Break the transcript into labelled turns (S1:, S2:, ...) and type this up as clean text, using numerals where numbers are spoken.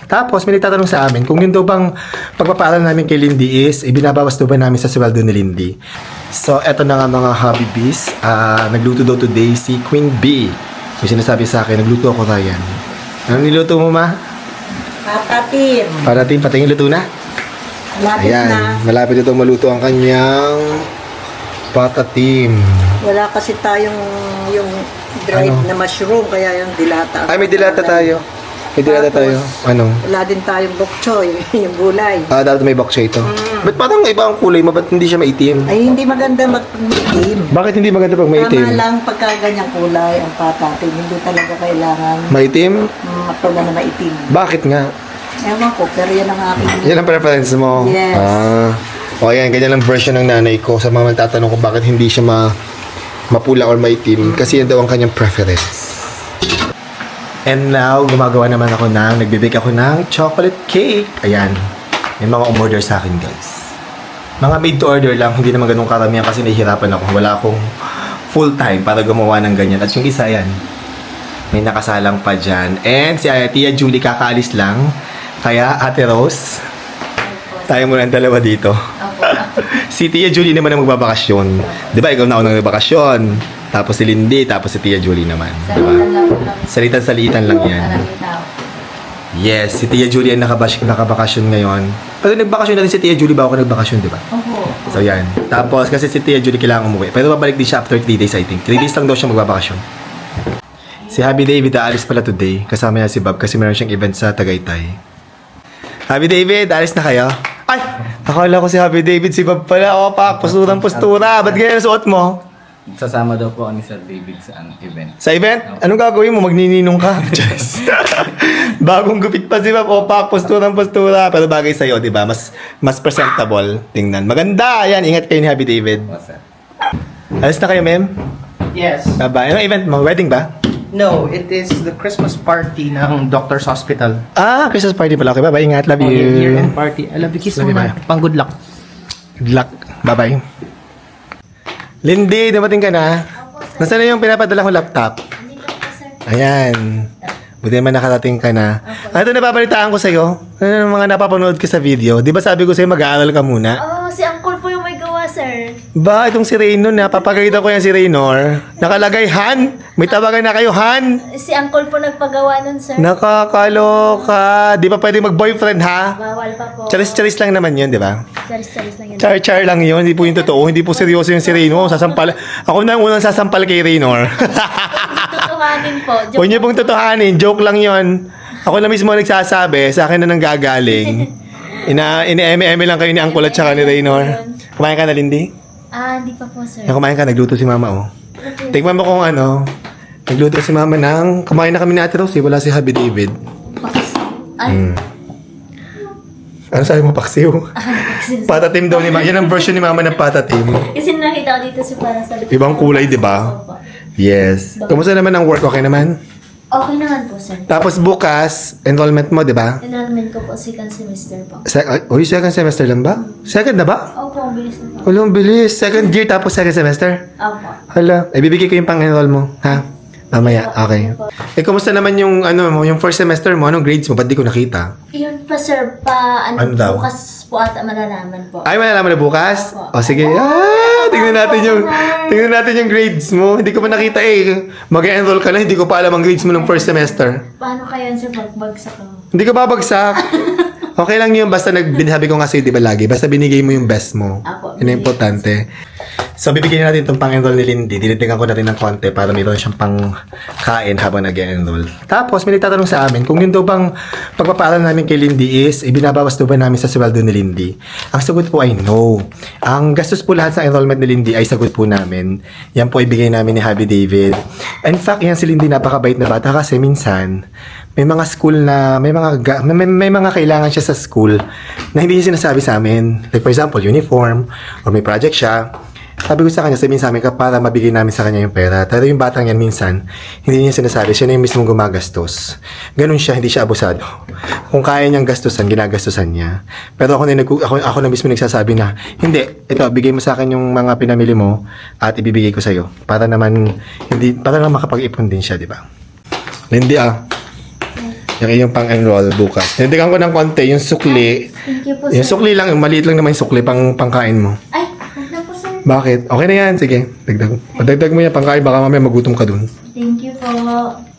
S1: Tapos, may nagtatanong sa amin kung yun daw bang pagpapaaral namin kay Lindy is, ibinabawas daw ba namin sa sweldo ni Lindy. So, eto na nga mga hobby bees. Nagluto daw today si Queen B. May sinasabi sa akin, nagluto ako, Ryan. Ano niluto mo, ma?
S2: Patatim.
S1: Parating, patingin luto na?
S2: Malapit
S1: Ayan,
S2: na.
S1: malapit ito maluto ang kanyang patatim.
S2: Wala kasi tayong yung dried
S1: Ano?
S2: na mushroom, kaya yung dilata.
S1: Ay, may dilata tayo. May dilata tayo. Ano?
S2: Wala din tayong bok choy, yung gulay.
S1: Dapat may bok siya ito. Ba't parang iba ang kulay mo? Ba't hindi siya maitim?
S2: Ay, hindi maganda mag-itim.
S1: Bakit hindi maganda pag
S2: Tama
S1: maitim?
S2: lang pagka ganyang kulay ang patatim. Hindi talaga kailangan
S1: Maitim?
S2: mapula na maitim.
S1: Bakit nga?
S2: Ewan ko, pero yan ang aking...
S1: Yan ang preference mo?
S2: Yes.
S1: O yan, ganyan lang version ng nanay ko. Sa mga nagtatanong kung bakit hindi siya mapula or maitim. Kasi yan daw ang kanyang preference. And now, gumagawa naman ako nagbibake ako ng chocolate cake. Ayan. May mga umorder sa akin, guys. Mga made to order lang. Hindi naman ganun karamihan kasi nahihirapan ako. Wala akong full time para gumawa ng ganyan. At yung isa, yan. May nakasalang pa dyan. And si Tia Julie kakaalis lang. Kaya, Ate Rose, tayo muna ang dalawa dito. Si Tia Julie naman ang magbabakasyon. Di ba, ikaw na unang nagbakasyon. Tapos si Lindy, tapos si Tia Julie naman. Di ba? Salitan-salitan lang yan. Yes, si Tia Julie ang nakabakasyon ngayon. Pero nagbakasyon na rin si Tia Julie bago ka nagbakasyon, di ba? So yan. Tapos kasi si Tia Julie kailangan umuwi. Pero babalik din siya after 3 days, I think. 3 days lang daw siya magbabakasyon. Si Happy David aalis pala today. Kasama niya si Bob kasi meron siyang event sa Tagaytay. Happy David, aalis na kayo? Ay! Akala ko si Happy David, si Bob pala. O, pak, postura. Ba't ganyan ang suot mo?
S3: Sasama daw po ni Sir David sa event.
S1: Sa event? Anong gagawin mo? Magnininong ka? Just. Bagong gupit pa si Bob. O, pak, postura. Pero bagay sa'yo, di ba? Mas presentable. Tingnan. Maganda. Yan, ingat kayo ni Happy David.
S3: What's that?
S1: Alis na kayo, ma'am?
S4: Yes.
S1: Bye-bye. Anong event mo? Wedding ba?
S4: No, it is the Christmas party ng Doctor's Hospital.
S1: Christmas party pala. Okay, bye-bye. Ingat. Love you.
S4: Year-end party. I love you. Kiss
S1: Love you,
S4: muna.
S1: bye.
S4: Pang good luck.
S1: Good luck. Bye-bye. Lindy, dumating ka na? Nasaan na yung pinapadala kong laptop? Ayan. Buti naman nakarating ka na. Ito napapalitaan ko sa'yo. Ano yung mga napapanood ko sa video? Di ba sabi ko sa'yo mag-aaral ka muna?
S5: Oh, si Uncle po yung may gawa, sir.
S1: Ba, itong si Raynor, napapagalitan ko yan si Raynor. Nakalagay, Han! May tawagan na kayo, Han!
S5: Si Uncle po nagpagawa nun, sir.
S1: Nakakaloka. Di pa pwede mag-boyfriend, ha?
S5: Bawal pa po.
S1: Charis-charis lang naman yun, di ba?
S5: Charis-charis lang yun.
S1: Char-char lang yun. Hindi po yung totoo. Hindi po seryoso yung si Raynor. Sasampal. Ako na ang unang sasampal kay Raynor.
S5: Tutuhanin po.
S1: Huwag niyo pong totohanin. Joke lang yun. Ako na mismo nagsasabi. Sa akin na nanggagaling. Ina-eme-eme lang kayo ni Uncle at saka ni Raynor. Kumain ka na, Lindy?
S5: Hindi pa po, sir.
S1: Yan, kumain ka. Nagluto si Mama, oh. Tingnan mo kung ano. Nagluto si Mama ng... Kumain na kami ni Ate Rose. Wala si Happy David.
S5: Ay,
S1: Ano sabi mo, paksiw? Patatim daw ni Mama. Yan ang version ni Mama ng patatim.
S5: kasi nakita ko dito si para sa...
S1: Ibang kulay, di ba?
S5: Opo.
S1: Yes. Kumusta naman ang work? Okay naman?
S5: Okay naman po, sir.
S1: Tapos bukas, enrollment mo, di ba?
S5: Enrollment ko po second semester po.
S1: Second semester lang ba? Second na ba?
S5: Opo, ang bilis na po.
S1: Wala, ang bilis. Second year tapos second semester?
S5: Opo.
S1: Hala, ibibigay ko yung pang-enroll mo, ha? Mamaya, okay. Kumusta naman yung, yung first semester mo? Anong grades mo? Ba't di ko nakita?
S5: Yun pa, sir.
S1: Ano daw?
S5: Bukas po ata malalaman po.
S1: Ay, malalaman na bukas?
S5: Opo.
S1: O, sige. Tingnan natin yung grades mo. Hindi ko pa nakita eh. Mag-enroll ka na, hindi ko pa alam ang grades mo ng first semester.
S5: Paano kaya, sir, pagbagsak ko?
S1: Hindi ka babagsak. Okay lang yun, basta sabi ko nga sa'yo, di ba lagi? Basta binigay mo yung best mo.
S5: Apo,
S1: Yun ang importante. So, bibigyan natin itong pang-enroll ni Lindy. Dinitingan ko natin ng konti para mayroon siyang pang-kain habang nag-enroll. Tapos, may nagtatanong sa amin kung yun daw bang pagpapaaral namin kay Lindy is ibinabawas daw ba namin sa sweldo ni Lindy. Ang sagot po ay no. Ang gastos po lahat sa enrollment ni Lindy ay sagot po namin. Yan po ibigay namin ni Happy David. In fact, yan si Lindy napakabait na bata kasi minsan may mga school na may mga kailangan siya sa school na hindi niya sinasabi sa amin. Like for example, uniform or may project siya. Sabi ko sa kanya, sabihin sa amin ka para mabigay namin sa kanya yung pera. Pero yung batang yan minsan, hindi niya sinasabi. Siya na yung mismong gumagastos. Ganun siya, hindi siya abusado. Kung kaya niyang gastusan, ginagastusan niya. Pero ako na mismo nagsasabi na, hindi, ito, bigay mo sa akin yung mga pinamili mo at ibibigay ko sa'yo. Para naman makapag-ipon din siya, di ba? Lindy, Yung iyong pang-enroll bukas. Dinagdagan ko ng konti, yung sukli.
S5: Thank you po,
S1: Yung
S5: sir.
S1: sukli lang, maliit lang naman yung sukli pangkain mo.
S5: Ay, huwag na po, sir.
S1: Bakit? Okay na yan, sige. Dagdag mo yan pangkain, baka mamaya magutom ka dun.
S5: Thank you po.